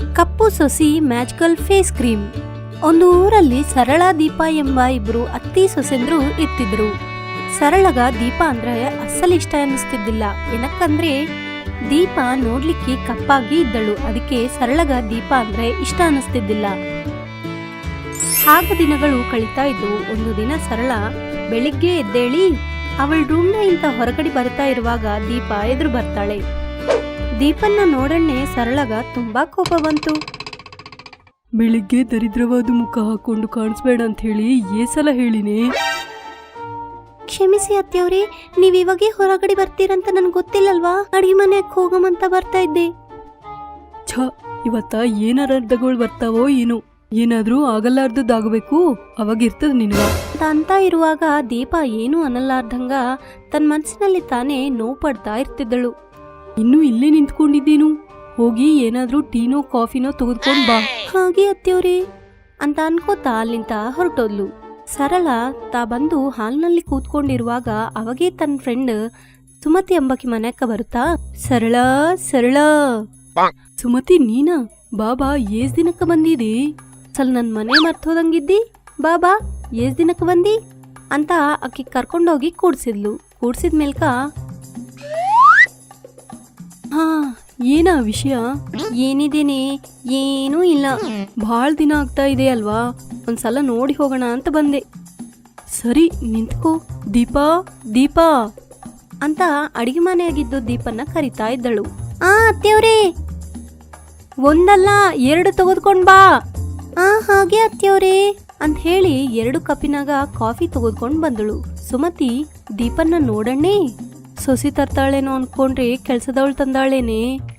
ಕಪ್ಪು ಸೊಸಿ magical face cream. ಒಂದು ಊರಲ್ಲಿ ಸರಳ ದೀಪ ಎಂಬ ಇಬ್ರು ಅತ್ತಿ ಸೊಸೆಂದ್ರು ಇರ್ತಿದ್ರು. ಸರಳಗ ದೀಪ ಅಂದ್ರೆ ಅಸಲ್ ಇಷ್ಟ ಅನ್ನಿಸ್ತಿದ್ದಿಲ್ಲ. ಏನಕ್ಕಂದ್ರೆ ದೀಪ ನೋಡ್ಲಿಕ್ಕೆ ಕಪ್ಪಾಗಿ ಇದ್ದಳು. ಅದಕ್ಕೆ ಸರಳಗ ದೀಪ ಅಂದ್ರೆ ಇಷ್ಟ ಅನ್ನಿಸ್ತಿದ್ದಿಲ್ಲ. ಹಾಗ ದಿನಗಳು ಕಳೀತಾ ಇದ್ವು. ಒಂದು ದಿನ ಸರಳ ಬೆಳಿಗ್ಗೆ ಎದ್ದೇಳಿ ಅವಳ ರೂಮ್ನ ಇಂತ ಹೊರಗಡೆ ಬರ್ತಾ ಇರುವಾಗ ದೀಪ ಎದುರು ಬರ್ತಾಳೆ. ದೀಪನ್ನ ನೋಡಣ್ಣೆ ಸರಳಗ ತುಂಬಾ ಕೋಪ ಬಂತು. ಬೆಳಿಗ್ಗೆ ದರಿದ್ರವಾದ ಮುಖ ಹಾಕೊಂಡು ಕಾಣಿಸ್ಬೇಡ ಅಂತ ಹೇಳಿ ಏಸಲ ಹೇಳಿನೇ. ಕ್ಷಮಿಸಿ ಅತ್ತೆಯವ್ರೆ, ನೀವ್ ಇವಾಗೆ ಹೊರಗಡೆ ಬರ್ತೀರಂತ ನನ್ಗೆ ಗೊತ್ತಿಲ್ಲಲ್ವಾ. ಅಡಿಗೆ ಮನೆಯಕ್ಕೆ ಹೋಗಮಂತ ಬರ್ತಾ ಇದ್ದೆ. ಛ, ಇವತ್ತ ಏನಾರ ಅರ್ಧಗಳು ಬರ್ತಾವೋ ಏನು. ಏನಾದ್ರೂ ಆಗಲಾರ್ದದ್ದಾಗಬೇಕು, ಅವಾಗಿರ್ತದ ನಿನ್ಗ ಅಂತ ಇರುವಾಗ ದೀಪ ಏನು ಅನ್ನಲಾರ್ದಂಗ ತನ್ನ ಮನಸ್ಸಿನಲ್ಲಿ ತಾನೇ ನೋವು ಪಡ್ತಾ ಇರ್ತಿದ್ದಳು. ಇನ್ನು ಇಲ್ಲೇ ನಿಂತ್ಕೊಂಡಿದ್ದೀನು, ಹೋಗಿ ಏನಾದ್ರೂ ಟೀನೋ ಕಾಫಿನೋ ತೆಗೆದುಕೊಂಡ್ ಬಾ. ಹಾಗೆ ಅತ್ತೆಯವ್ರೆ ಅಂತ ಅನ್ಕೋತಾ ಅಲ್ಲಿಂದ ಹೊರಟೋದ್ಲು. ಸರಳ ತಾ ಬಂದು ಹಾಲ್ನಲ್ಲಿ ಕೂತ್ಕೊಂಡಿರುವಾಗ ಅವಾಗೇ ತನ್ನ ಫ್ರೆಂಡ್ ಸುಮತಿ ಎಂಬಕಿ ಮನೆಯಕ್ಕ ಬರುತ್ತಾ, ಸರಳ ಸರಳ. ಸುಮತಿ ನೀನಾ? ಬಾಬಾ ಏಸ್ ದಿನಕ್ಕ ಬಂದಿದೆ? ಸಲ್ ನನ್ ಮನೆ ಮರ್ತೋದಂಗಿದ್ದಿ, ಬಾಬಾ ಏಸ್ ದಿನಕ್ಕೆ ಬಂದಿ ಅಂತ ಆಕಿ ಕರ್ಕೊಂಡೋಗಿ ಕೂಡ್ಸಿದ್ಲು. ಕೂಡ್ಸಿದ ಮೇಲ್ಕ, ಹಾ ಏನ ವಿಷಯ? ಏನಿದೇನೆ? ಏನೂ ಇಲ್ಲ. ಭಾಳ ದಿನ ಆಗ್ತಾ ಇದೆ ಅಲ್ವಾ, ಒಂದ್ಸಲ ನೋಡಿ ಹೋಗೋಣ ಅಂತ ಬಂದೆ. ಸರಿ ನಿಂತ್ಕೋ. ದೀಪಾ ದೀಪಾ ಅಂತ ಅಡಿಗೆ ಮನೆಯಾಗಿದ್ದು ದೀಪನ್ನ ಕರಿತಾ ಇದ್ದಳು. ಅತ್ತೆಯವ್ರೇ, ಒಂದಲ್ಲ 2 ತೆಗೆದುಕೊಂಡ್ ಬಾ. ಹಾಗೆ ಅತ್ತೆಯವ್ರೇ ಅಂತ ಹೇಳಿ 2 ಕಪ್ಪಿನಾಗ ಕಾಫಿ ತೆಗೆದುಕೊಂಡ್ ಬಂದಳು. ಸುಮತಿ ದೀಪನ್ನ ನೋಡಣ್ಣೆ ಸೊಸಿ ತರ್ತಾಳೇನೋ ಅನ್ಕೊಂಡ್ರೆ ಕೆಲ್ಸದವಳು ತಂದಾಳೇನೆ.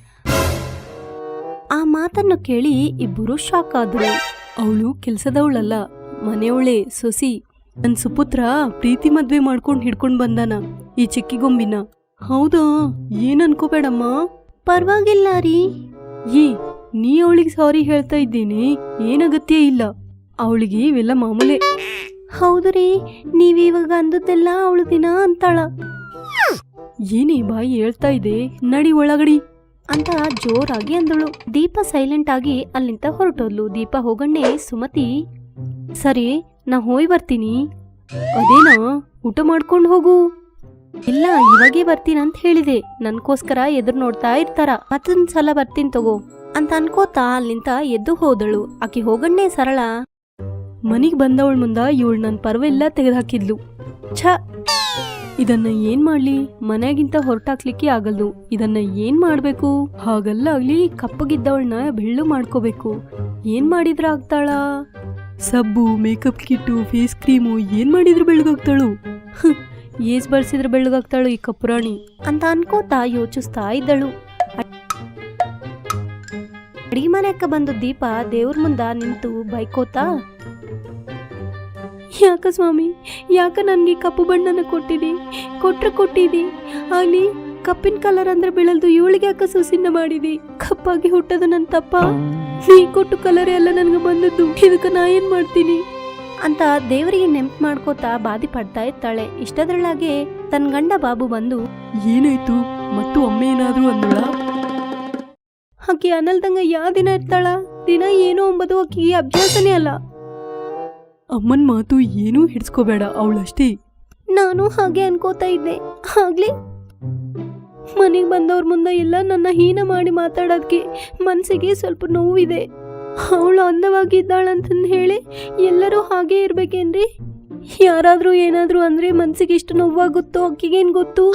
ಆ ಮಾತನ್ನು ಕೇಳಿ ಇಬ್ಬರು ಶಾಕ್ ಆದ್ರು. ಅವಳು ಕೆಲ್ಸದವಳಲ್ಲ, ಮನೆಯವಳೆ ಸೊಸಿ. ನನ್ ಸುಪುತ್ರ ಪ್ರೀತಿ ಮದ್ವೆ ಮಾಡ್ಕೊಂಡ್ ಹಿಡ್ಕೊಂಡ್ ಬಂದಾನ ಈ ಚಿಕ್ಕಿಗೊಂಬಿನ. ಹೌದಾ? ಏನ್ ಅನ್ಕೋಬೇಡಮ್ಮ. ಪರವಾಗಿಲ್ಲ ರೀ. ನೀ ಅವಳಿಗೆ ಸಾರಿ ಹೇಳ್ತಾ ಇದ್ದೀನಿ, ಏನಗತ್ಯ ಇಲ್ಲ. ಅವಳಿಗೆ ಇವೆಲ್ಲ ಮಾಮೂಲೆ. ಹೌದ್ರಿ, ನೀವಿವಾಗ ಅಂದದ್ದೆಲ್ಲ ಅವಳು ದಿನ ಅಂತಾಳ. ಏನೇ ಬಾಯಿ ಹೇಳ್ತಾ ಇದೆ, ನಡಿ ಒಳಗಡಿ ಅಂತ ಜೋರಾಗಿ ಅಂದಳು. ದೀಪ ಸೈಲೆಂಟ್ ಆಗಿ ಅಲ್ಲಿಂದ ಹೊರಟೋದ್ಲು. ದೀಪ ಹೋಗಣ್ಣೆ ಸುಮತಿ, ಸರಿ ನಾ ಹೋಯ್ ಬರ್ತೀನಿ. ಅದೇನಾ, ಊಟ ಮಾಡ್ಕೊಂಡು ಹೋಗು. ಇಲ್ಲ, ಇವಾಗೇ ಬರ್ತೀನಂತ ಹೇಳಿದೆ. ನನ್ಗೋಸ್ಕರ ಎದುರು ನೋಡ್ತಾ ಇರ್ತಾರ. ಮತ್ತೊಂದ್ಸಲ ಬರ್ತೀನಿ ತಗೋ ಅಂತ ಅನ್ಕೋತಾ ಅಲ್ಲಿಂದ ಎದ್ದು ಹೋದಳು. ಆಕಿ ಹೋಗಣ್ಣೆ ಸರಳ ಮನಿಗ್ ಬಂದವಳ ಮುಂದ ಇವಳು ನನ್ ಪರ್ವೆಲ್ಲ ತೆಗೆದುಹಾಕಿದ್ಲು. ಛ, ಇದನ್ನ ಏನ್ ಮಾಡ್ಲಿ? ಮನೆಗಿಂತ ಹೊರಟಾಕ್ಲಿಕ್ಕೆ ಆಗಲ್ದು. ಇದನ್ನ ಏನ್ ಮಾಡ್ಬೇಕು? ಹಾಗಲ್ಲ ಆಗ್ಲಿ, ಕಪ್ಪಗಿದ್ದವಳನ್ನ ಬೆಳ್ಳು ಮಾಡ್ಕೋಬೇಕು. ಏನ್ ಮಾಡಿದ್ರ ಆಗ್ತಾಳ? ಸಬ್ಬು, ಮೇಕಪ್ ಕಿಟ್ಟು, ಫೇಸ್ ಕ್ರೀಮು ಏನ್ ಮಾಡಿದ್ರು ಬೆಳ್ಳಗಾಗ್ತಾಳು. ಏಸ್ ಬಳಸಿದ್ರೆ ಬೆಳ್ಳಗಾಗ್ತಾಳು ಈ ಕಪ್ಪುರಾಣಿ ಅಂತ ಅನ್ಕೋತಾ ಯೋಚಿಸ್ತಾ ಇದ್ದಳು. ಅಡಿಗೆ ಮನೆಯಕ್ಕ ಬಂದು ದೀಪ ದೇವ್ರ ಮುಂದ ನಿಂತು ಬೈಕೋತಾ, ಯಾಕ ಸ್ವಾಮಿ, ಯಾಕ ನನ್ಗೆ ಕಪ್ಪು ಬಣ್ಣನ ಕೊಟ್ಟಿದಿ ಆಗ್ಲಿ. ಕಪ್ಪಿನ ಕಲರ್ ಅಂದ್ರೆ ಬೆಳಲ್ದು, ಇವಳಿಗೆ ಯಾಕ ಸೊಸಿನ ಮಾಡಿದಿ? ಕಪ್ಪಾಗಿ ಹುಟ್ಟದ ನನ್ ತಪ್ಪ. ನೀ ಕೊಟ್ಟು ಕಲರ್ ಎಲ್ಲ ನನ್ಗೆ ಬಂದದ್ದು, ಇದಕ್ಕ ನಾ ಏನ್ ಮಾಡ್ತೀನಿ ಅಂತ ದೇವರಿಗೆ ನೆಂಪು ಮಾಡ್ಕೋತಾ ಬಾದಿ ಪಡ್ತಾ ಇರ್ತಾಳೆ. ಇಷ್ಟದ್ರೊಳಗೆ ತನ್ನ ಗಂಡ ಬಾಬು ಬಂದು, ಏನಾಯ್ತು ಮತ್ತು ಅಮ್ಮ ಏನಾದ್ರು ಅಂದಳ? ಆಕಿ ಅನ್ನಲ್ದಂಗ ಯಾ ದಿನ ಇರ್ತಾಳ? ದಿನ ಏನೋ ಅಂಬದು ಆಕಿಗೆ ಅಭ್ಯಾಸನೇ ಅಲ್ಲ. ಅಮ್ಮನ್ ಮಾತು ಏನೂ ಹಿಡ್ಸ್ಕೋಬೇಡ, ಅವಳಷ್ಟೇ. ನಾನು ಹಾಗೆ ಅನ್ಕೋತಾ ಇದ್ದೆ. ಆಗ್ಲಿ ಮನೆಗೆ ಬಂದವ್ರ ಮುಂದೆ ಎಲ್ಲ ನನ್ನ ಹೀನ ಮಾಡಿ ಮಾತಾಡೋದಕ್ಕೆ ಮನ್ಸಿಗೆ ಸ್ವಲ್ಪ ನೋವಿದೆ. ಅವಳು ಅಂದವಾಗಿದ್ದಾಳಂತಂದು ಹೇಳಿ ಎಲ್ಲರೂ ಹಾಗೆ ಇರ್ಬೇಕೇನ್ರಿ? ಯಾರಾದ್ರೂ ಏನಾದ್ರೂ ಅಂದ್ರೆ ಮನ್ಸಿಗೆ ಇಷ್ಟು ನೋವಾಗುತ್ತೋ ಅಕ್ಕಿಗೇನ್ ಗೊತ್ತು?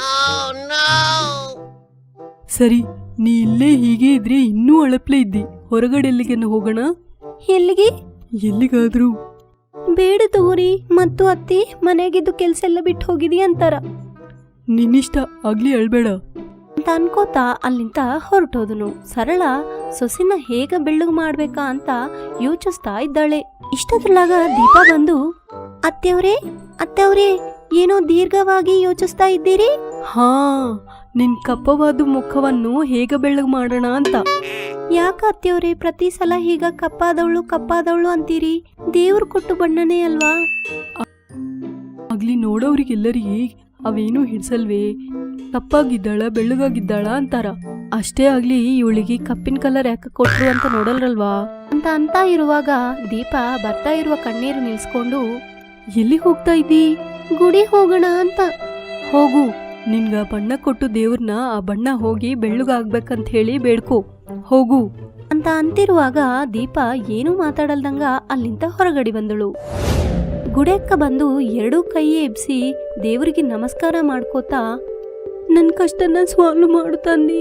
ಸರಿ, ನೀ ಇಲ್ಲೇ ಹೀಗೆ ಇದ್ರೆ ಇನ್ನೂ ಅಳಪ್ಲೆ ಇದ್ದಿ. ಹೊರಗಡೆ ಎಲ್ಲಿಗೆನ ಹೋಗೋಣ? ಎಲ್ಲಿಗೆ? ಎಲ್ಲಿಗಾದ್ರೂ. ಬೇಡ ತಗೋರಿ, ಮತ್ತು ಅತ್ತಿ ಮನೆಯಾಗಿದ್ದು ಕೆಲ್ಸ ಎಲ್ಲ ಬಿಟ್ಟು ಹೋಗಿದಿ ಅಂತಾರ. ನಿನ್ನಿಷ್ಟ, ಆಗ್ಲಿ ಅಳ್ಬೇಡ ಅಂತ ಅನ್ಕೋತಾ ಅಲ್ಲಿಂದ ಹೊರಟೋದನು. ಸರಳ ಸೊಸಿನ ಹೇಗ ಬೆಳ್ಳಗ್ ಮಾಡ್ಬೇಕಾ ಅಂತ ಯೋಚಿಸ್ತಾ ಇದ್ದಾಳೆ. ಇಷ್ಟದ್ರೊಳಗ ದೀಪ ಬಂದು, ಅತ್ತೆಯವ್ರೇ ಏನೋ ದೀರ್ಘವಾಗಿ ಯೋಚಿಸ್ತಾ ಇದ್ದೀರಿ? ಹಾ, ನಿನ್ ಕಪ್ಪವಾದ ಮುಖವನ್ನು ಹೇಗ ಬೆಳ್ಳಗ್ ಮಾಡೋಣ ಅಂತ. ಯಾಕ ಅತ್ತೆಯವ್ರೇ ಪ್ರತಿ ಸಲ ಹೀಗ ಕಪ್ಪಾದವಳು ಅಂತೀರಿ? ದೇವ್ರು ಕೊಟ್ಟು ಬಣ್ಣನೇ ಅಲ್ವಾ? ಆಗ್ಲಿ ನೋಡೋರಿಗೆಲ್ಲರಿಗೆ ಅವೇನೂ ಹಿಡ್ಸಲ್ವೇ? ಕಪ್ಪಾಗಿದ್ದಾಳ ಬೆಳ್ಳಗಾಗಿದ್ದಾಳ ಅಂತಾರ. ಅಷ್ಟೇ ಆಗ್ಲಿ ಇವಳಿಗೆ ಕಪ್ಪಿನ ಕಲರ್ ಯಾಕೆ ಕೊಟ್ರು ಅಂತ ನೋಡಲ್ರಲ್ವಾ ಅಂತ ಇರುವಾಗ ದೀಪ ಬರ್ತಾ ಇರುವ ಕಣ್ಣೀರು ನಿಲ್ಸ್ಕೊಂಡು, ಎಲ್ಲಿ ಹೋಗ್ತಾ ಇದ್ದೀ? ಗುಡಿ ಹೋಗೋಣ ಅಂತ. ಹೋಗು, ನಿನ್ಗ ಬಣ್ಣ ಕೊಟ್ಟು ದೇವ್ರನ್ನ ಆ ಬಣ್ಣ ಹೋಗಿ ಬೆಳ್ಳಗಾಗ್ಬೇಕಂತ ಹೇಳಿ ಬೇಡ್ಕೋ, ಹೋಗು ಅಂತಿರುವಾಗ ದೀಪ ಏನೂ ಮಾತಾಡಲ್ದಂಗ ಅಲ್ಲಿಂದ ಹೊರಗಡೆ ಬಂದಳು. ಗುಡಿಯಕ್ಕ ಬಂದು ಎರಡೂ ಕೈ ಎಬ್ಸಿ ದೇವರಿಗೆ ನಮಸ್ಕಾರ ಮಾಡ್ಕೋತಾ, ನನ್ನ ಕಷ್ಟನ ಸಾಲ್ವ್ ಮಾಡು ತಂದಿ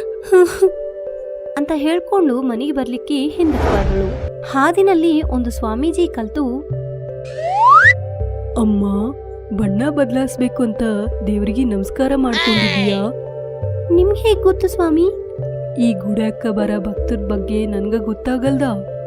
ಅಂತ ಹೇಳ್ಕೊಂಡು ಮನೆಗೆ ಬರ್ಲಿಕ್ಕೆ ಹಿಂದಕ್ಕೆ ಬಂದಳು. ಹಾದಿನಲ್ಲಿ ಒಂದು ಸ್ವಾಮೀಜಿ ಕಲ್ತು, ಅಮ್ಮ ಬಣ್ಣ ಬದಲಾಯಿಸ್ಬೇಕು ಅಂತ ದೇವರಿಗೆ ನಮಸ್ಕಾರ ಮಾಡ್ಕೊಂಡಿದೀಯಾ? ನಿಮ್ಗೆ ಹೇಗೆ ಗೊತ್ತು ಸ್ವಾಮಿ? ಈ ಗುಡ್ಯಾಕ ಬರ ಭಕ್ತರ ಬಗ್ಗೆ ನನ್ಗ ಗೊತ್ತಾಗಲ್ದ?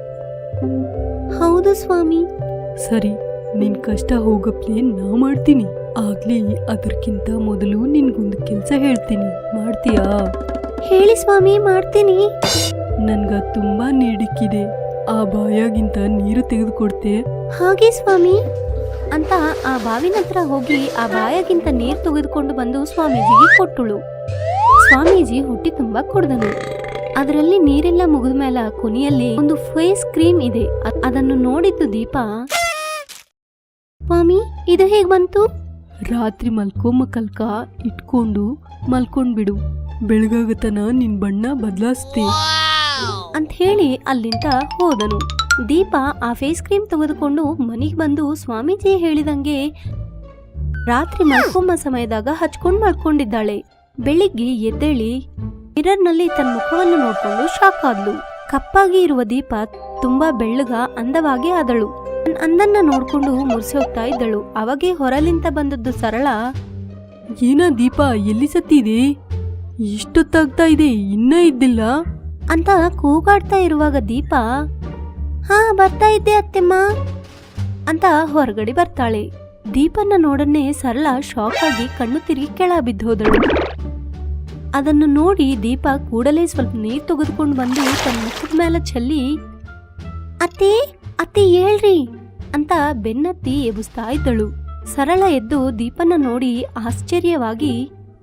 ಹೌದು ಸ್ವಾಮಿ. ಸರಿ, ನಿನ್ ಕಷ್ಟ ಹೋಗಪ್ಲೆ ನಾ ಮಾಡ್ತೀನಿ. ಆಗ್ಲಿ ಅದಕ್ಕಿಂತ ಮೊದಲು ನಿನ್ಗೊಂದು ಕೆಲ್ಸ ಹೇಳ್ತೀನಿ, ಮಾಡ್ತೀಯಾ? ಹೇಳಿ ಸ್ವಾಮಿ, ಮಾಡ್ತೀನಿ. ನನ್ಗ ತುಂಬಾ ನೀಡಿಕ್ಕಿದೆ, ಆ ಬಾಯಾಗಿಂತ ನೀರು ತೆಗೆದುಕೊಡ್ತೆ? ಹಾಗೆ ಸ್ವಾಮಿ ಅಂತ ಆ ಬಾವಿನ ಹತ್ರ ಹೋಗಿ ಆ ಬಾಯಾಗಿಂತ ನೀರು ತೆಗೆದುಕೊಂಡು ಬಂದು ಸ್ವಾಮೀಜಿಗೆ ಕೊಟ್ಟಳು. ಸ್ವಾಮೀಜಿ ಹೊಟ್ಟಿ ತುಂಬಾ ಕುಡ್ದನು. ಅದರಲ್ಲಿ ನೀರೆಲ್ಲ ಮುಗಿದ ಮೇಲೆ ಕೊನೆಯಲ್ಲಿ ಒಂದು ಫೇಸ್ ಕ್ರೀಮ್ ಇದೆ. ಅದನ್ನು ನೋಡಿದ್ದು ದೀಪ, ಸ್ವಾಮಿ ಇದು ಹೇಗ್ ಬಂತು? ರಾತ್ರಿ ಮಲ್ಕಲ್ಕ ಇಟ್ಕೊಂಡು ಮಲ್ಕೊಂಡ್ಬಿಡು, ಬೆಳಗಾಗತನ ನಿನ್ ಬಣ್ಣ ಬದಲಾಯಿಸ್ತೆ ಅಂತ ಹೇಳಿ ಅಲ್ಲಿಂದ ಹೋದನು. ದೀಪ ಆ ಫೇಸ್ ಕ್ರೀಮ್ ತೆಗೆದುಕೊಂಡು ಮನೆಗೆ ಬಂದು ಸ್ವಾಮೀಜಿ ಹೇಳಿದಂಗೆ ರಾತ್ರಿ ಮಲ್ಕೊಂಬ ಸಮಯದಾಗ ಹಚ್ಕೊಂಡು ಮಲ್ಕೊಂಡಿದ್ದಾಳೆ. ಬೆಳಿಗ್ಗೆ ಎದ್ದೇಳಿ ಮಿರರ್ನಲ್ಲಿ ತನ್ನ ಮುಖವನ್ನು ನೋಡ್ಕೊಂಡು ಶಾಕ್ ಆದ್ಲು. ಕಪ್ಪಾಗಿ ಇರುವ ದೀಪ ತುಂಬಾ ಬೆಳ್ಳಗ ಅಂದವಾಗಿ ಆದಳು. ಅಂದನ್ನ ನೋಡ್ಕೊಂಡು ಮುರ್ಸಿ ಹೋಗ್ತಾ ಇದ್ದಳು. ಅವಾಗೆ ಹೊರಲಿಂದ ಬಂದದ್ದು ಸರಳ, ಏನ ದೀಪ ಎಲ್ಲಿ ಸತ್ತಿದೆ? ಇಷ್ಟೊತ್ತಾಗ್ತಾ ಇದೆ, ಇನ್ನ ಇದ್ದಿಲ್ಲ ಅಂತ ಕೂಗಾಡ್ತಾ ಇರುವಾಗ ದೀಪ, ಹಾ ಬರ್ತಾ ಇದ್ದೆ ಅತ್ತೆಮ್ಮ ಅಂತ ಹೊರಗಡೆ ಬರ್ತಾಳೆ. ದೀಪನ್ನ ನೋಡನ್ನೇ ಸರಳ ಶಾಕ್ ಆಗಿ ಕಣ್ಣು ತಿರುಗಿ ಕೆಳ ಬಿದ್ದೋದಳು. ಅದನ್ನು ನೋಡಿ ದೀಪ ಕೂಡಲೇ ಸ್ವಲ್ಪ ನೀರು ತೆಗೆದುಕೊಂಡು ಬಂದು ತನ್ನ ಮುಖದ ಮೇಲೆ ಚೆಲ್ಲಿ, ಅತ್ತೆ ಅತ್ತೆ ಹೇಳ್ರಿ ಅಂತ ಬೆನ್ನತ್ತಿ ಎಬ್ಬಿಸ್ತಾ ಇದ್ದಳು. ಸರಳ ಎದ್ದು ದೀಪನ್ನ ನೋಡಿ ಆಶ್ಚರ್ಯವಾಗಿ,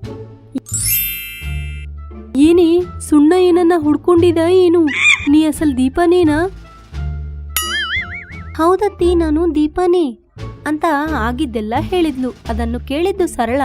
ಏನೇ ಸುಣ್ಣ ಏನನ್ನ ಹುಡ್ಕೊಂಡಿದ ಏನು? ನೀ ಅಸಲ್ ದೀಪನೇನಾ? ಹೌದತ್ತಿ, ನಾನು ದೀಪನೇ ಅಂತ ಆಗಿದ್ದೆಲ್ಲ ಹೇಳಿದ್ಲು. ಅದನ್ನು ಕೇಳಿದ್ದು ಸರಳ,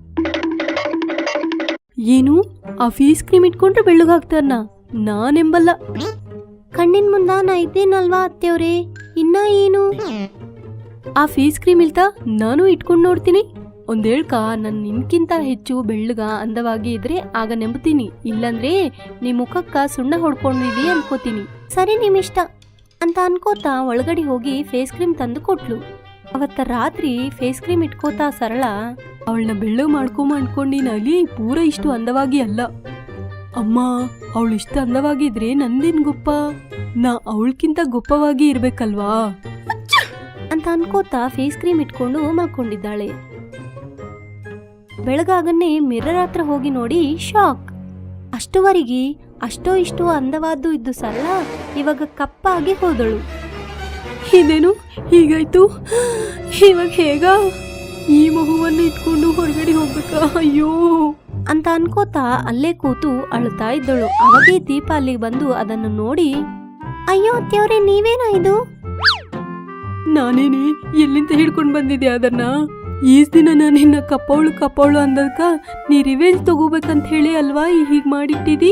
ಏನು ಆ ಫೇಸ್ ಕ್ರೀಮ್ ಇಟ್ಕೊಂಡ್ರೆ ಬೆಳ್ಳಗಾಗ್ತಾನ? ನಾನೆಂಬಲ್ಲ. ಕಣ್ಣಿನ ಮುಂದ ನಾ ಇದ್ದೇನಲ್ವಾ ಅತ್ತೆಯವ್ರೆ, ಇನ್ನ ಏನು? ಆ ಫೇಸ್ ಕ್ರೀಮ್ ಇಲ್ತಾ ನಾನು ಇಟ್ಕೊಂಡು ನೋಡ್ತೀನಿ. ಒಂದೇಳ್ಕ ನನ್ ನಿನ್ಕಿಂತ ಹೆಚ್ಚು ಬೆಳ್ಳಗ ಅಂದವಾಗಿ ಇದ್ರೆ ಆಗ ನೆಂಬ್ತೀನಿ, ಇಲ್ಲಂದ್ರೆ ನೀ ಮುಖಕ್ಕ ಸುಣ್ಣ ಹೊಡ್ಕೊಂಡಿದಿ ಅನ್ಕೋತೀನಿ. ಸರಿ ನಿಮ್ಮಿಷ್ಟ ಅಂತ ಅನ್ಕೋತಾ ಒಳಗಡೆ ಹೋಗಿ ಫೇಸ್ ಕ್ರೀಮ್ ತಂದು ಕೊಟ್ಲು. ಅವತ್ತ ರಾತ್ರಿ ಫೇಸ್ ಕ್ರೀಮ್ ಇಟ್ಕೋತಾ ಸರಳ, ಅವಳನ್ನ ಬೆಳ್ಳಗ್ ಮಾಡ್ಕೊಂಬ ಅನ್ಕೊಂಡಿನಲ್ಲಿ ಪೂರ ಇಷ್ಟು ಅಂದವಾಗಿ ಅಲ್ಲ. ಅಮ್ಮ ಅವಳು ಇಷ್ಟು ಅಂದವಾಗಿದ್ರೆ ನಂದೇನ್ ಗೊಪ್ಪ? ನಾ ಅವಳಕ್ಕಿಂತ ಗೊಪ್ಪವಾಗಿ ಇರ್ಬೇಕಲ್ವಾ ಅಂತ ಅನ್ಕೋತಾ ಫೇಸ್ ಕ್ರೀಮ್ ಇಟ್ಕೊಂಡು ಮಲ್ಕೊಂಡಿದ್ದಾಳೆ. ಬೆಳಗಾಗನ್ನೇ ಮಿರರ್ ಹತ್ರ ಹೋಗಿ ನೋಡಿ ಶಾಕ್. ಅಷ್ಟುವರೆಗೆ ಅಷ್ಟೋ ಇಷ್ಟೋ ಅಂದವಾದ್ದು ಇದ್ದು ಸರಳ ಇವಾಗ ಕಪ್ಪಾಗಿ ಹೋದಳು. ಇದೇನು ಹೀಗಾಯ್ತು? ಇವಾಗ ಹೇಗ ಈ ಮಗುವನ್ನು ಇಟ್ಕೊಂಡು ಹೊರಗಡೆ ಹೋಗ್ಬೇಕಾ? ಅಯ್ಯೋ ಅಂತ ಅನ್ಕೋತಾ ಅಲ್ಲೇ ಕೂತು ಅಳ್ತಾ ಇದ್ದಳು. ಅವಾಗೇ ದೀಪ ಅಲ್ಲಿಗೆ ಬಂದು ಅದನ್ನು ನೋಡಿ, ಅಯ್ಯೋ ಅತ್ತೆಯವ್ರೆ ನೀವೇನಾ ಇದು? ನಾನೇನೆ ಎಲ್ಲಿಂದ ಹಿಡ್ಕೊಂಡು ಬಂದಿದ್ದೆ ಅದನ್ನ? ಈಸ್ ದಿನ ನಾನು ನಿನ್ನ ಕಪ್ಪವಳು ಅಂದಕ್ಕ ನೀ ರಿವೆಂಜ್ ತಗೋಬೇಕಂತ ಹೇಳಿ ಅಲ್ವಾ ಹೀಗ್ ಮಾಡಿಟ್ಟಿದಿ?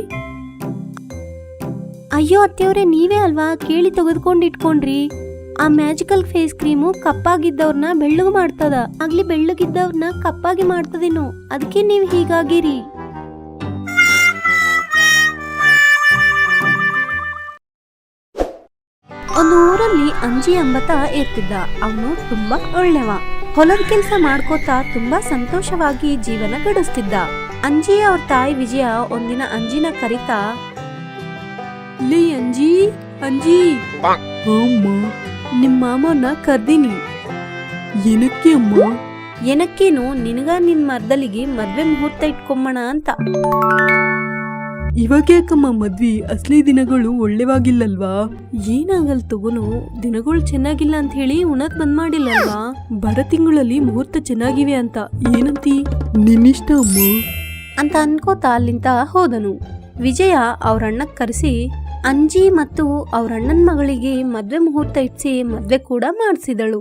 ಅಯ್ಯೋ ಅತ್ತೆಯವ್ರೆ ನೀವೇ ಅಲ್ವಾ ಕೇಳಿ ತೆಗೆದುಕೊಂಡು ಇಟ್ಕೊಂಡ್ರಿ. ಆ ಮ್ಯಾಜಿಕಲ್ ಫೇಸ್ ಕ್ರೀಮು ಕಪ್ಪಾಗಿದ್ದವ್ರನ್ನ ಬೆಳ್ಳಗೆ ಮಾಡ್ತದ, ಆಗ್ಲಿ ಬೆಳ್ಳಗಿದ್ದವ್ರನ್ನ ಕಪ್ಪಾಗಿ ಮಾಡ್ತದೇನೋ, ಅದಕ್ಕೆ ನೀವು ಹೀಗಾಗಿರಿ. ಒಂದು ಊರಲ್ಲಿ ಅಂಜಿ ಎಂಬತ ಇರ್ತಿದ್ದ. ಅವನು ತುಂಬಾ ಒಳ್ಳೆವ. ಹೊಲದ ಕೆಲಸ ಮಾಡ್ಕೋತಾ ತುಂಬಾ ಸಂತೋಷವಾಗಿ ಜೀವನ ಗಡಿಸ್ತಿದ್ದ. ಅಂಜಿ ಅವ್ರ ತಾಯಿ ವಿಜಯ ಒಂದಿನ ಅಂಜಿನ ಕರಿತಾ, ಲೇ ಅಂಜಿ ಅಂಜಿ, ಅಮ್ಮ ನಿಮ್ಮ ಮಾಮನ ಕರ್ದೀನಿ. ಏನಕ್ಕೆ ಅಮ್ಮ? ಏನಕ್ಕೇನು, ನಿನಗ ನಿನ್ ಮರ್ದಲಿಗೆ ಮದ್ವೆ ಮುಹೂರ್ತ ಇಟ್ಕೊಂಬಣ ಅಂತ. ಇವಾಗ ಯಾಕಮ್ಮ ಮದ್ವಿ? ಅಸಲಿ ದಿನಗಳು ಒಳ್ಳೆವಾಗಿಲ್ಲಲ್ವಾ? ಏನಾಗಲ್ ತಗೋನು, ದಿನಗಳು ಚೆನ್ನಾಗಿಲ್ಲ ಅಂತ ಹೇಳಿ ಉಣಕ್ ಬಂದ್ ಮಾಡಿಲ್ಲಲ್ವಾ? ಬರ ತಿಂಗಳಲ್ಲಿ ಮುಹೂರ್ತ ಚೆನ್ನಾಗಿವೆ ಅಂತ ಏನಂತಿ? ನಿನ್ನಿಷ್ಟ ಅಮ್ಮ. ಅಂತ ಅನ್ಕೋತಾ ಅಲ್ಲಿಂದ ಹೋದನು. ವಿಜಯ ಅವ್ರಣ್ಣಕ್ ಕರೆಸಿ ಅಂಜಿ ಮತ್ತು ಅವ್ರಣ್ಣನ ಮಗಳಿಗೆ ಮದ್ವೆ ಮುಹೂರ್ತ ಇಟ್ಸಿ ಮದ್ವೆ ಕೂಡ ಮಾಡಿಸಿದಳು.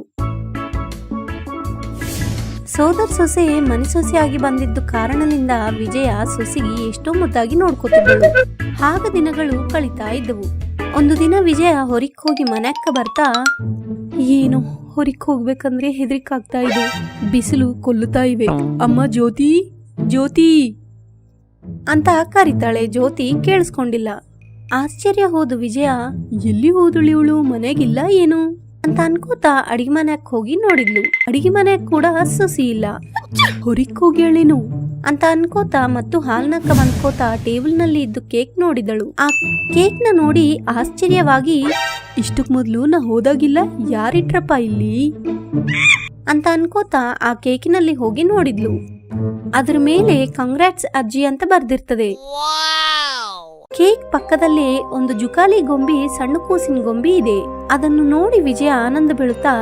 ಸೋದರ ಸೊಸೆ ಮನೆ ಸೊಸೆಯಾಗಿ ಬಂದಿದ್ದು ಕಾರಣದಿಂದ ವಿಜಯ ಸೊಸೆಗೆ ಎಷ್ಟೋ ಮುದ್ದಾಗಿ ನೋಡ್ಕೋತಿದ್ದಳು. ಆಗ ದಿನಗಳು ಕಳೀತಾ ಇದ್ದವು. ಒಂದು ದಿನ ವಿಜಯ ಹೊರಕ್ ಹೋಗಿ ಮನೆಯಕ್ಕ ಬರ್ತಾ, ಏನು ಹೊರಕ್ ಹೋಗ್ಬೇಕಂದ್ರೆ ಹೆದರಿಕಾಗ್ತಾ ಇದೆ, ಬಿಸಿಲು ಕೊಲ್ಲುತ್ತಾ ಇವೆ. ಅಮ್ಮ ಜ್ಯೋತಿ, ಜ್ಯೋತಿ ಅಂತ ಕರೀತಾಳೆ. ಜ್ಯೋತಿ ಕೇಳಿಸ್ಕೊಂಡಿಲ್ಲ. ಆಶ್ಚರ್ಯ ಹೋದು ವಿಜಯ, ಎಲ್ಲಿ ಹೋದಳು ಇವಳು, ಮನೆಗಿಲ್ಲ ಏನು ಅಂತ ಅನ್ಕೋತಾ ಅಡಿಗೆ ಮನೆಯಕ್ ಹೋಗಿ ನೋಡಿದ್ಲು. ಅಡಿಗೆ ಮನೆಯಕ್ ಕೂಡ ಸೊಸಿ ಇಲ್ಲ. ಹೊರಕ್ ಹೋಗ್ಯಾಳೇನು ಅಂತ ಅನ್ಕೋತಾ ಮತ್ತು ಹಾಲ್ನಕ್ಕ ಬಂದ್ಕೋತಾ ಟೇಬಲ್ ನಲ್ಲಿ ಇದ್ದು ಕೇಕ್ ನೋಡಿದಳು. ಆ ಕೇಕ್ ನ ನೋಡಿ ಆಶ್ಚರ್ಯವಾಗಿ, ಇಷ್ಟಕ್ ಮೊದ್ಲು ನಾ ಹೋದಾಗಿಲ್ಲ, ಯಾರಿಟ್ರಪ್ಪ ಇಲ್ಲಿ ಅಂತ ಅನ್ಕೋತಾ ಆ ಕೇಕಿನಲ್ಲಿ ಹೋಗಿ ನೋಡಿದ್ಲು. ಅದ್ರ ಮೇಲೆ ಕಂಗ್ರಾಟ್ಸ್ ಅಜ್ಜಿ ಅಂತ ಬರ್ದಿರ್ತದೆ. ಕೇಕ್ ಪಕ್ಕದಲ್ಲೇ ಒಂದು ಜುಕಾಲಿ ಗೊಂಬಿ, ಸಣ್ಣ ಕೂಸಿನ ಗೊಂಬಿ ಇದೆ. ಅದನ್ನು ನೋಡಿ ವಿಜಯ ಆನಂದ ಬೀಳುತ್ತಾ,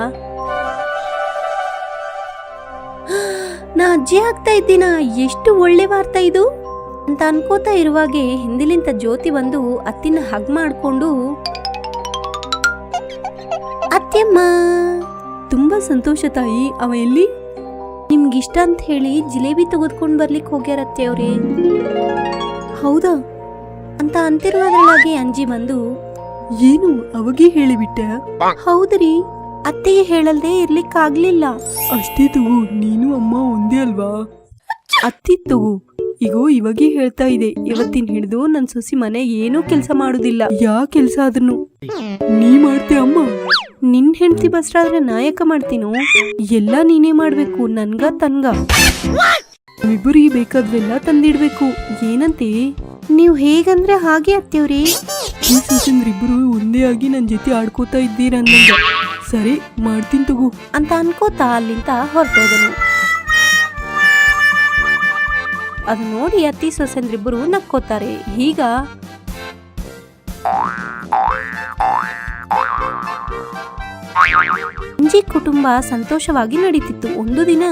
ನಾ ಅಜ್ಜಿ ಆಗ್ತಾ ಇದ್ದೀನ, ಎಷ್ಟು ಒಳ್ಳೆ ವಾರ್ತಾ ಇದು ಅಂತ ಅನ್ಕೋತಾ ಇರುವಾಗೆ ಹಿಂದಿಲಿಂದ ಜ್ಯೋತಿ ಬಂದು ಅತ್ತಿನ ಹಗ್ ಮಾಡ್ಕೊಂಡು, ಅತ್ತೆಮ್ಮ ತುಂಬಾ ಸಂತೋಷ ತಾಯಿ, ಅವ ಎಲ್ಲಿ? ನಿಮ್ಗಿಷ್ಟ ಅಂತ ಹೇಳಿ ಜಿಲೇಬಿ ತೆಗೆದುಕೊಂಡ್ ಬರ್ಲಿಕ್ಕೆ ಹೋಗ್ಯಾರತ್ತೆ ಅವ್ರೆ. ಹೌದಾ ಅಂತ ಅಂತಿರುವುದರೊಳಗೆ ಅಂಜಿ ಬಂದು, ಏನು ಅವಾಗೇ ಹೇಳಿಬಿಟ್ಟೆ? ಹೌದ್ರಿ, ಅತ್ತೆಗೆ ಹೇಳಲ್ದೆ ಇರ್ಲಿಕ್ಕಾಗ್ಲಿಲ್ಲ. ಅಷ್ಟೇ ತಗೋ, ನೀನು ಅಮ್ಮ ಒಂದೇ ಅಲ್ವಾ? ಅತ್ತಿ ತಗೋ, ಈಗೋ ಇವಾಗೇ ಹೇಳ್ತಾ ಇದೆ, ಇವತ್ತಿನ ಹಿಡಿದು ನನ್ ಸೊಸಿ ಮನೆ ಏನೂ ಕೆಲಸ ಮಾಡುದಿಲ್ಲ. ಯಾ ಕೆಲಸ ಆದ್ರೂ ನೀ ಮಾಡ್ತೀಯ ಅಮ್ಮ? ನಿನ್ ಹೆಂಡತಿ ಬಸ್ರಾದ್ರೆ ನಾಯಕ ಮಾಡ್ತೀನೋ? ಎಲ್ಲ ನೀನೇ ಮಾಡ್ಬೇಕು, ನನ್ಗ ತನ್ಗ ಇಬ್ಬರಿಗೆ ಬೇಕಾದ್ರೆಲ್ಲ ತಂದಿಡ್ಬೇಕು. ಏನಂತೆ? ನೀವು ಹೇಗಂದ್ರೆ ಹಾಗೆ ಅತ್ತೆವ್ರಿ. ಈ ಸೊಸೆಂದ್ರಿಬ್ರು ಒಂದೇ ಆಗಿ ನನ್ ಜೊತೆ ಆಡ್ಕೋತಾ ಇದ್ದೀರ ಅನ್ನಂಗ. ಸರಿ ಮಾಡ್ತೀನಿ ತಗೋ ಅಂತ ಅನ್ಕೋತಾ ಅಲ್ಲಿಂದ ಹೊರಟೋದನು. ಅದು ನೋಡಿ ಅತ್ತಿ ಸೊಸೆಂದ್ರಿಬ್ಬರು ನಕ್ಕೋತಾರೆ. ಈಗ ಅಂಜಿ ಕುಟುಂಬ ಸಂತೋಷವಾಗಿ ನಡೀತಿತ್ತು. ಒಂದು ದಿನ,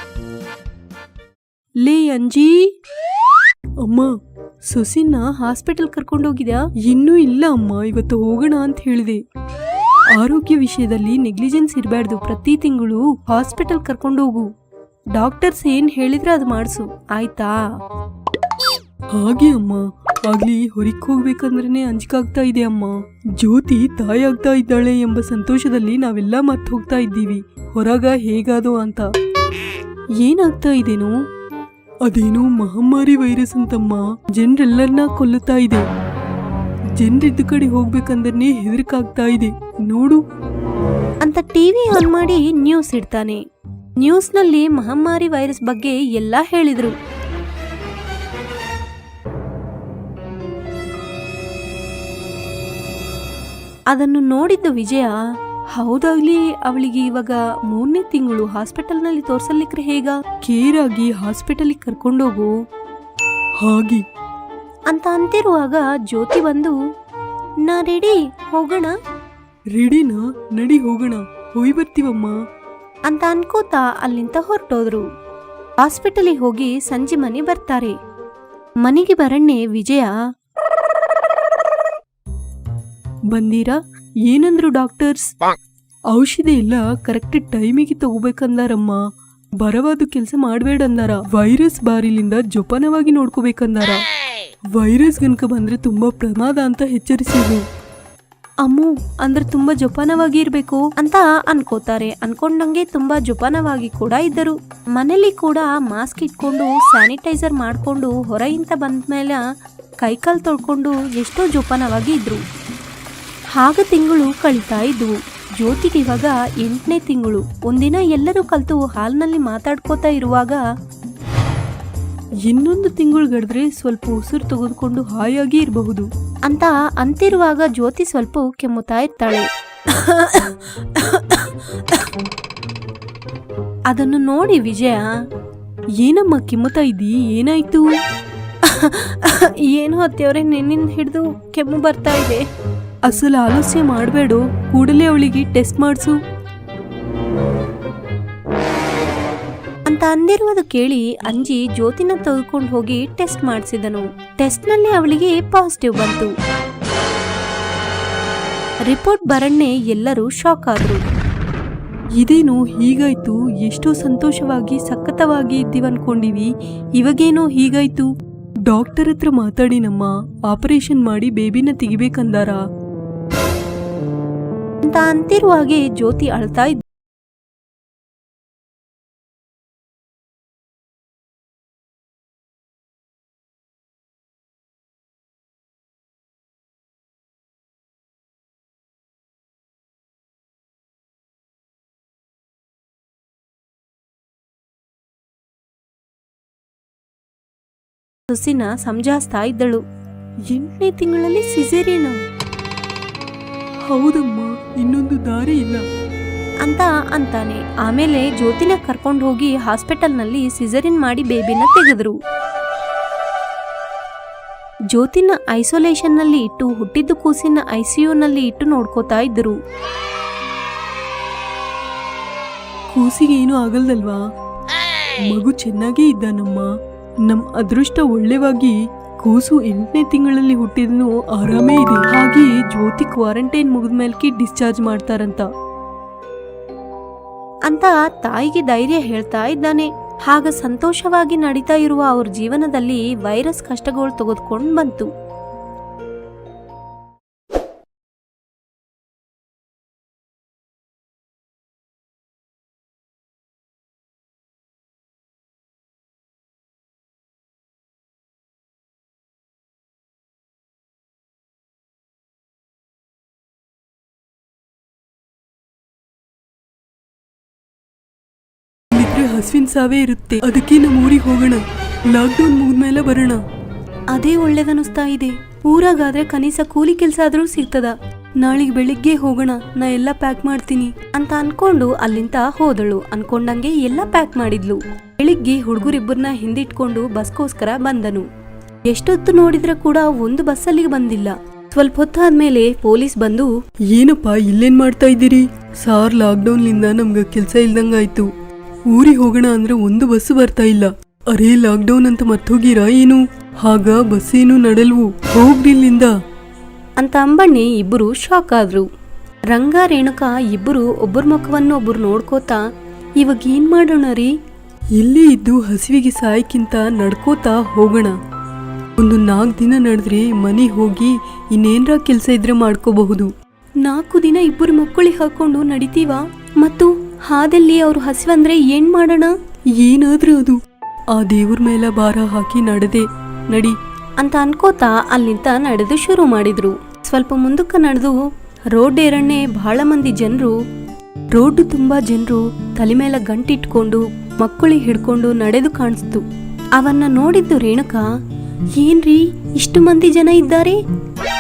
ಲೇ ಅಂಜಿ, ಅಮ್ಮ ಸೊಸಿನ ಹಾಸ್ಪಿಟಲ್ ಕರ್ಕೊಂಡೋಗಿದ್ಯಾ? ಇನ್ನೂ ಇಲ್ಲ ಅಮ್ಮ, ಇವತ್ತು ಹೋಗೋಣ ಅಂತ ಹೇಳಿದೆ. ಆರೋಗ್ಯ ವಿಷಯದಲ್ಲಿ ನೆಗ್ಲಿಜೆನ್ಸ್ ಇರಬಾರ್ದು, ಪ್ರತಿ ತಿಂಗಳು ಹಾಸ್ಪಿಟಲ್ ಕರ್ಕೊಂಡೋಗು. ಡಾಕ್ಟರ್ಸ್ ಏನ್ ಹೇಳಿದ್ರೆ ಅದು ಮಾಡಿಸು, ಆಯ್ತಾ? ಹಾಗೆ ಅಮ್ಮ, ಆಗ್ಲಿ ಹೊರಕ್ ಹೋಗ್ಬೇಕಂದ್ರೆ ಅಂಜಿಕಾಗ್ತಾ ಇದೆ ಅಮ್ಮ. ಜ್ಯೋತಿ ತಾಯಿ ಆಗ್ತಾ ಇದ್ದಾಳೆ ಎಂಬ ಸಂತೋಷದಲ್ಲಿ ನಾವೆಲ್ಲ ಮರ್ತು ಹೋಗ್ತಾ ಇದ್ದೀವಿ. ಹೊರಗ ಹೇಗಾದೋ ಅಂತ. ಏನಾಗ್ತಾ ಇದೇನು? ಅದೇನೋ ಮಹಾಮಾರಿ ವೈರಸ್ ಅಂತಮ್ಮ, ಜನರೆಲ್ಲರನ್ನ ಕೊಲ್ಲುತ್ತಾ ಇದೆ. ಜನರಿದ್ದ ಕಡೆ ಹೋಗ್ಬೇಕಂದ್ರೆ ಹೆದರಿಕಾಗ್ತಾ ಇದೆ ನೋಡು ಅಂತ ಟಿವಿ ಆನ್ ಮಾಡಿ ನ್ಯೂಸ್ ಇಡ್ತಾನೆ. ನ್ಯೂಸ್ನಲ್ಲಿ ಮಹಾಮಾರಿ ವೈರಸ್ ಬಗ್ಗೆ ಎಲ್ಲ ಹೇಳಿದ್ರು. ಅದನ್ನು ನೋಡಿದ್ದ ವಿಜಯ, ಹೌದಾಗ್ಲಿ ಅವಳಿಗೆ ಇವಾಗ 3ನೇ ತಿಂಗಳು, ಹಾಸ್ಪಿಟಲ್ನಲ್ಲಿ ತೋರ್ಸಲಿಕ್ರೆ ಹೇಗ? ಕೇರ್ ಆಗಿ ಹಾಸ್ಪಿಟಲಿಗೆ ಕರ್ಕೊಂಡೋಗು. ಹಾಗೆ ಅಂತ ಅಂತಿರುವಾಗ ಜ್ಯೋತಿ ಬಂದು, ನಾ ರೆಡಿ, ಹೋಗೋಣ ರೆಡಿನಾ? ನಡಿ ಹೋಗೋಣ, ಹೋಗಿ ಬರ್ತೀವಮ್ಮ ಅಂತ ಅನ್ಕೋತಾ ಅಲ್ಲಿಂದ ಹೊರಟೋದ್ರು. ಹಾಸ್ಪಿಟಲಿಗೆ ಹೋಗಿ ಸಂಜೆ ಮನೆ ಬರ್ತಾರೆ. ಮನೆಗೆ ಬರಣ್ಣೆ ವಿಜಯ, ಬಂದೀರಾ? ಏನಂದ್ರು ಡಾಕ್ಟರ್ಸ್? ಔಷಧಿ ಎಲ್ಲ ಕರೆಕ್ಟ್ ಟೈಮಿಗೆ ತಗೋಬೇಕಂದಾರಮ್ಮ. ಬರವಾದ ಕೆಲಸ ಮಾಡಬೇಡ ಅಂದಾರ. ವೈರಸ್ ಬಾರಿಲಿಂದ ಜೋಪಾನವಾಗಿ ನೋಡ್ಕೋಬೇಕಂದಾರ. ವೈರಸ್ ಗನಕ ಬಂದ್ರೆ ತುಂಬಾ ಪ್ರಮಾದ ಅಂತ ಎಚ್ಚರಿಸಿದ್ರು. ಅಮ್ಮು ಅಂದ್ರೆ ತುಂಬಾ ಜೋಪಾನವಾಗಿ ಇರ್ಬೇಕು ಅಂತ ಅನ್ಕೋತಾರೆ. ಅನ್ಕೊಂಡಂಗೆ ತುಂಬಾ ಜೋಪಾನವಾಗಿ ಕೂಡ ಇದ್ದರು. ಮನೇಲಿ ಕೂಡ ಮಾಸ್ಕ್ ಇಟ್ಕೊಂಡು ಸ್ಯಾನಿಟೈಸರ್ ಮಾಡ್ಕೊಂಡು ಹೊರಗಿಂತ ಬಂದ್ಮೇಲೆ ಕೈಕಾಲು ತೊಳ್ಕೊಂಡು ಎಷ್ಟೋ ಜೋಪಾನವಾಗಿ ಇದ್ರು. ಆಗ ತಿಂಗಳು ಕಳೀತಾ ಇದ್ವು. ಜ್ಯೋತಿಗೆ ಇವಾಗ 8ನೇ ತಿಂಗಳು. ಒಂದಿನ ಎಲ್ಲರೂ ಕಲ್ತು ಹಾಲ್ನಲ್ಲಿ ಮಾತಾಡ್ಕೋತಾ ಇರುವಾಗ, ಇನ್ನೊಂದು ತಿಂಗಳು ಗಡಿದ್ರೆ ಸ್ವಲ್ಪ ಉಸಿರು ತೆಗೆದುಕೊಂಡು ಹಾಯಾಗಿ ಇರಬಹುದು ಅಂತ ಅಂತಿರುವಾಗ ಜ್ಯೋತಿ ಸ್ವಲ್ಪ ಕೆಮ್ಮುತ್ತಾ ಇರ್ತಾಳೆ. ಅದನ್ನು ನೋಡಿ ವಿಜಯ, ಏನಮ್ಮ ಕೆಮ್ಮುತ್ತಾ ಇದ್ದಿ, ಏನಾಯ್ತು? ಏನು ಅತ್ತೆಯವ್ರೆ, ನಿನ್ನಿಂದ ಹಿಡಿದು ಕೆಮ್ಮು ಬರ್ತಾ ಇದೆ. ಅಸಲು ಆಲಸ್ಯ ಮಾಡಬೇಡ, ಕೂಡಲೇ ಅವಳಿಗೆ ಟೆಸ್ಟ್ ಮಾಡಿಸು ಅಂತ ಅಂತ ಅಂದಿರುವುದು ಕೇಳಿ ಅಂಜಿ ಜ್ಯೋತಿನ ತೆಗೆದುಕೊಂಡು ಹೋಗಿ ಟೆಸ್ಟ್ ಮಾಡಿಸಿದನು. ಟೆಸ್ಟ್ ನಲ್ಲಿ ಅವಳಿಗೆ ಪಾಸಿಟಿವ್ ಬಂತು. ರಿಪೋರ್ಟ್ ಬರಣ್ಣೆ ಎಲ್ಲರೂ ಶಾಕ್ ಆದ್ರು. ಇದೇನು ಹೀಗಾಯ್ತು? ಎಷ್ಟೋ ಸಂತೋಷವಾಗಿ ಸಖತ್ತವಾಗಿ ಇದ್ದೀವನ್ಕೊಂಡಿವಿ, ಇವಾಗೇನೋ ಹೀಗಾಯ್ತು? ಡಾಕ್ಟರ್ ಹತ್ರ ಮಾತಾಡಿನಮ್ಮ, ಆಪರೇಷನ್ ಮಾಡಿ ಬೇಬಿನ ತೆಗಿಬೇಕಂದಾರ ಅಂತ ಅಂತಿರುವಾಗೆ ಜ್ಯೋತಿ ಅಳ್ತಾ ಇದ್ದ. ಸುಸಿನ ಸಮಜಾಯಿಸ್ತಾ ಇದ್ದಳು. 8ನೇ ತಿಂಗಳಲ್ಲಿ ಸಿಸೇರಿಯನ? ಹೌದಮ್ಮ, ಇನ್ನೊಂದು ದಾರಿ ಇಲ್ಲ ಅಂತ ಅಂತಾನೆ. ಆಮೇಲೆ ಜ್ಯೋತಿನ ಕರ್ಕೊಂಡು ಹೋಗಿ ಹಾಸ್ಪಿಟಲ್ನಲ್ಲಿ ಸಿಸೇರಿಯನ್ ಮಾಡಿ ಬೇಬಿನ ತೆಗೆದ್ರು. ಜ್ಯೋತಿನ ಐಸೋಲೇಷನ್ ನಲ್ಲಿ ಇಟ್ಟು ಹುಟ್ಟಿದ್ದು ಕೂಸಿನ ಐಸಿಯುನಲ್ಲಿ ಇಟ್ಟು ನೋಡ್ಕೋತಾ ಇದ್ರು. ಕೂಸಿಗೆ ಏನು ಆಗಲ್ದಲ್ವಾ? ಮಗು ಚೆನ್ನಾಗೇ ಇದ್ದಾನಮ್ಮ. ನಮ್ ಅದೃಷ್ಟ ಒಳ್ಳೆವಾಗಿ ಕೂಸು 8ನೇ ತಿಂಗಳಲ್ಲಿ ಹುಟ್ಟಿದ್ನು ಆರಾಮೇ ಇದೆ. ಹಾಗೆ ಜ್ಯೋತಿ ಕ್ವಾರಂಟೈನ್ ಮುಗಿದ್ಮೇಲೆ ಡಿಸ್ಚಾರ್ಜ್ ಮಾಡ್ತಾರಂತ ಅಂತ ತಾಯಿಗೆ ಧೈರ್ಯ ಹೇಳ್ತಾ ಇದ್ದಾನೆ. ಹಾಗ ಸಂತೋಷವಾಗಿ ನಡೀತಾ ಇರುವ ಅವ್ರ ಜೀವನದಲ್ಲಿ ವೈರಸ್ ಕಷ್ಟಗಳು ತೆಗೆದುಕೊಂಡು ಬಂತು. ಹಸುವಿನ ಸಾವೇ ಇರುತ್ತೆ, ಅದಕ್ಕೆ ನಮ್ಮ ಊರಿಗೆ ಹೋಗೋಣ. ಲಾಕ್ಡೌನ್ ಮುಗಿದ್ಮೇಲೆ ಬರೋಣ. ಅದೇ ಒಳ್ಳೇದನಿಸ್ತಾ ಇದೆ. ಊರಾಗಾದ್ರೆ ಕನೀಸ ಕೂಲಿ ಕೆಲಸ ಆದ್ರೂ ಸಿಗ್ತದ. ನಾಳೆಗೆ ಬೆಳಿಗ್ಗೆ ಹೋಗೋಣ, ನಾ ಎಲ್ಲ ಪ್ಯಾಕ್ ಮಾಡ್ತೀನಿ ಅಂತ ಅನ್ಕೊಂಡು ಅಲ್ಲಿಂದ ಹೋದಳು. ಅನ್ಕೊಂಡಂಗೆ ಎಲ್ಲ ಪ್ಯಾಕ್ ಮಾಡಿದ್ಲು. ಬೆಳಿಗ್ಗೆ ಹುಡುಗರಿಬ್ಬರನ್ನ ಹಿಂದಿಟ್ಕೊಂಡು ಬಸ್ಗೋಸ್ಕರ ಬಂದನು. ಎಷ್ಟೊತ್ತು ನೋಡಿದ್ರೆ ಕೂಡ ಒಂದು ಬಸ್ ಅಲ್ಲಿಗೆ ಬಂದಿಲ್ಲ. ಸ್ವಲ್ಪ ಹೊತ್ತಾದ್ಮೇಲೆ ಪೊಲೀಸ್ ಬಂದು, ಏನಪ್ಪ ಇಲ್ಲೇನ್ ಮಾಡ್ತಾ ಇದ್ದೀರಿ? ಸಾರ್, ಲಾಕ್ಡೌನ್ಲಿಂದ ನಮ್ಗೆ ಕೆಲಸ ಇಲ್ದಂಗಾಯ್ತು. ಊರಿಗೆ ಹೋಗೋಣ ಅಂದ್ರೆ ಒಂದು ಬಸ್ ಬರ್ತಾ ಇಲ್ಲ. ಅರೇ, ಲಾಕ್ಡೌನ್ ಅಂತ ಮರ್ತೋಗಿರಾ ಏನು? ಹಾಗ ಬಸ್ ಏನು ನಡಲ್ವು, ಹೋಗ್ರಿಲ್ಲಿಂದ ಅಂತ ಅಂಬಣ್ಣೆ ಇಬ್ಬರು ಶಾಕ್ ಆದ್ರು. ರಂಗ ರೇಣುಕಾ ಇಬ್ಬರು ಒಬ್ಬರ ಮುಖವನ್ನು ಒಬ್ಬರು ನೋಡ್ಕೋತಾ, ಇವಾಗ ಏನ್ ಮಾಡೋಣ ರೀ? ಇಲ್ಲೇ ಇದ್ದು ಹಸಿವಿಗೆ ಸಾಯಕ್ಕಿಂತ ನಡ್ಕೋತಾ ಹೋಗೋಣ. ಒಂದು 4 ದಿನ ನಡೆದ್ರೆ ಮನೆ ಹೋಗಿ ಇನ್ನೇನ್ರ ಕೆಲಸ ಇದ್ರೆ ಮಾಡ್ಕೋಬಹುದು. 4 ದಿನ ಇಬ್ಬರು ಮಕ್ಕಳಿಗೆ ಹಾಕೊಂಡು ನಡಿತೀವ? ಮತ್ತು ಹಾದಲ್ಲಿ ಅವ್ರು ಹಸಿವಂದ್ರೆ ಏನ್ ಮಾಡೋಣ? ಏನಾದ್ರೂ ಅದು ಆ ದೇವ್ರ ಮೇಲೆ ಭಾರ ಹಾಕಿ ನಡೆದೆ ನಡಿ ಅಂತ ಅನ್ಕೋತಾ ಅಲ್ಲಿಂದ ನಡೆದು ಶುರು ಮಾಡಿದ್ರು. ಸ್ವಲ್ಪ ಮುಂದಕ್ಕೆ ನಡೆದು ರೋಡ್ ಏರಣ್ಣೆ ಬಹಳ ಮಂದಿ ಜನರು, ರೋಡ್ ತುಂಬಾ ಜನರು ತಲೆ ಮೇಲೆ ಗಂಟಿಟ್ಕೊಂಡು ಮಕ್ಕಳಿಗೆ ಹಿಡ್ಕೊಂಡು ನಡೆದು ಕಾಣಿಸ್ತು. ಅವನ್ನ ನೋಡಿದ್ದು ರೇಣುಕಾ, ಏನ್ರೀ ಇಷ್ಟು ಮಂದಿ ಜನ ಇದ್ದಾರೆ?